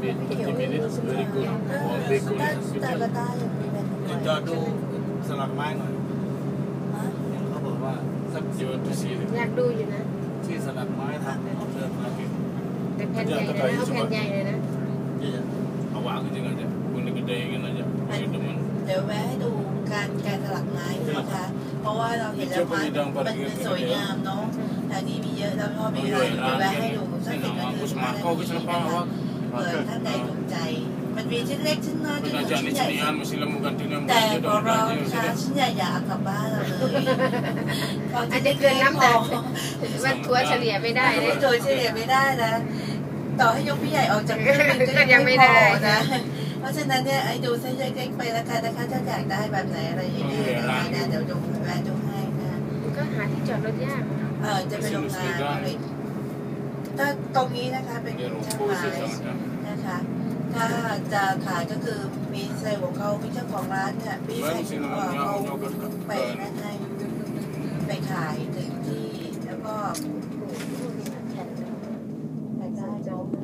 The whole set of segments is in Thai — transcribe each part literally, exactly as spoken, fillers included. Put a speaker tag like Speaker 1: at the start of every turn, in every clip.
Speaker 1: thirty minutes very good or bacon
Speaker 2: แต่ละได้อย่างนี้เป็น
Speaker 3: เดี๋ยวจอดูสลักไม้หน่อยเขาบอกว่าสัก
Speaker 1: you want to see it
Speaker 4: อยากดูอยู่นะ
Speaker 3: ที่สลักไม้ทำเอาเดินมากิน
Speaker 4: แต่แผ่นใหญ่เลยนะเอาแผ่นใหญ่เลยนะ
Speaker 1: awak kerja aja boleh gede kan aja saya demen
Speaker 2: เดี๋ยวแวะให้ดูการแกะสลักไม้นะคะ เพราะว่าเราเห็นแล้วไม้มันสวยงามเนาะแต่นี้มีเยอะแล้วก็มีอะไรเดี๋ยวแวะให้ดูสักสิบนาทีนะคะเผื่อท่านใดถูกใจมันมีชิ้นเล็กชิ้นน้อยชิ้น
Speaker 1: Penajak ni
Speaker 2: ใหญ่
Speaker 1: cinian mesti lemu gantinya
Speaker 2: แต่พอเราค่ะชิ้นใหญ่อยากกลับบ้านเราเลย
Speaker 4: อาจจะเกินน้ำหนักมันทัวเฉลี่ยไม่ได้เลย
Speaker 2: โดยเฉลี่ยไม่ได้นะต่อให้ยกพี่ใหญ่ออกจากเครื่องบินก็ยังไม่พอนะเพราะฉะนั้นเนี่ยไอ้ดูเส้นเล็กๆไปแล้วกันนะคะถ้าอยากได้แบบไหนอะไรอย่างเงี้ยนะเดี๋ยวดูแวะดูให้นะ
Speaker 4: ก็หาที่จอดรถยาก
Speaker 2: เออจะเป็นโรงงานถ้าตรงนี้นะคะเป็นช่างไม้นะคะถ้าจะขายก็คือมีเซลล์ของเขามีเจ้าของร้านเนี่ยพี่ใส่ถุงเขาไปนั่นให้ไปขายถึงที่แล้วก็ไปได้จบเลย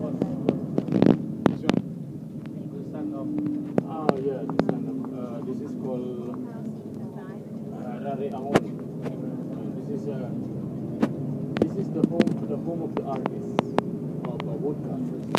Speaker 1: ah yeah this one uh, this is called uh, Rari Angon this is uh, this is the home the home of the artist of uh, woodcutters